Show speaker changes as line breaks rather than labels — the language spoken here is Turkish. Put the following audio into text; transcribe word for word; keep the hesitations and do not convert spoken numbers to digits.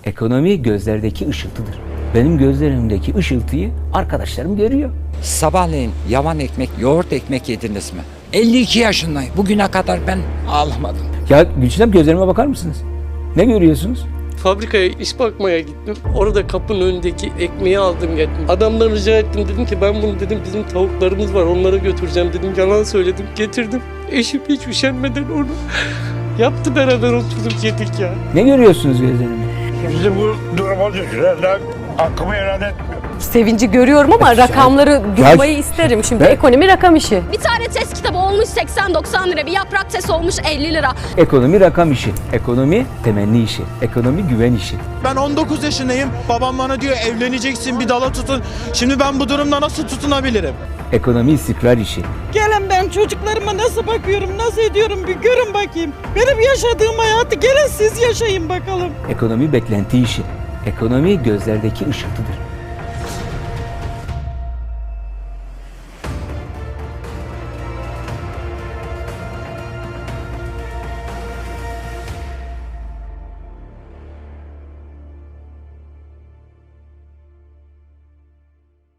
Ekonomi gözlerdeki ışıltıdır. Benim gözlerimdeki ışıltıyı arkadaşlarım görüyor.
Sabahleyin yavan ekmek, yoğurt ekmek yediniz mi? elli iki yaşındayım. Bugüne kadar ben ağlamadım.
Ya Gülçin Hanım, gözlerime bakar mısınız? Ne görüyorsunuz?
Fabrikaya iş bakmaya gittim. Orada kapının önündeki ekmeği aldım geldim. Adamdan rica ettim, dedim ki ben bunu dedim bizim tavuklarımız var onlara götüreceğim dedim. Yalan söyledim, getirdim. Eşim hiç üşenmeden onu yaptı, beraber oturduk yedik ya.
Ne görüyorsunuz gözlerimde?
Bizi bu duruma düşürenler hakkımı helal etmiyor.
Sevinci görüyorum ama rakamları duymayı isterim. Şimdi
Ben-
ekonomi rakam işi.
Bir tane test kitabı olmuş seksen doksan lira, bir yaprak test olmuş elli lira.
Ekonomi rakam işi, ekonomi temenni işi, ekonomi güven işi.
Ben on dokuz yaşındayım. Babam bana diyor evleneceksin, bir dala tutun. Şimdi ben bu durumda nasıl tutunabilirim?
Ekonomi istikrar işi.
Gelin ben çocuklarıma nasıl bakıyorum, nasıl ediyorum bir görün bakayım. Benim yaşadığım hayatı gelin siz yaşayın bakalım.
Ekonomi beklenti işi. Ekonomi gözlerdeki ışıltıdır.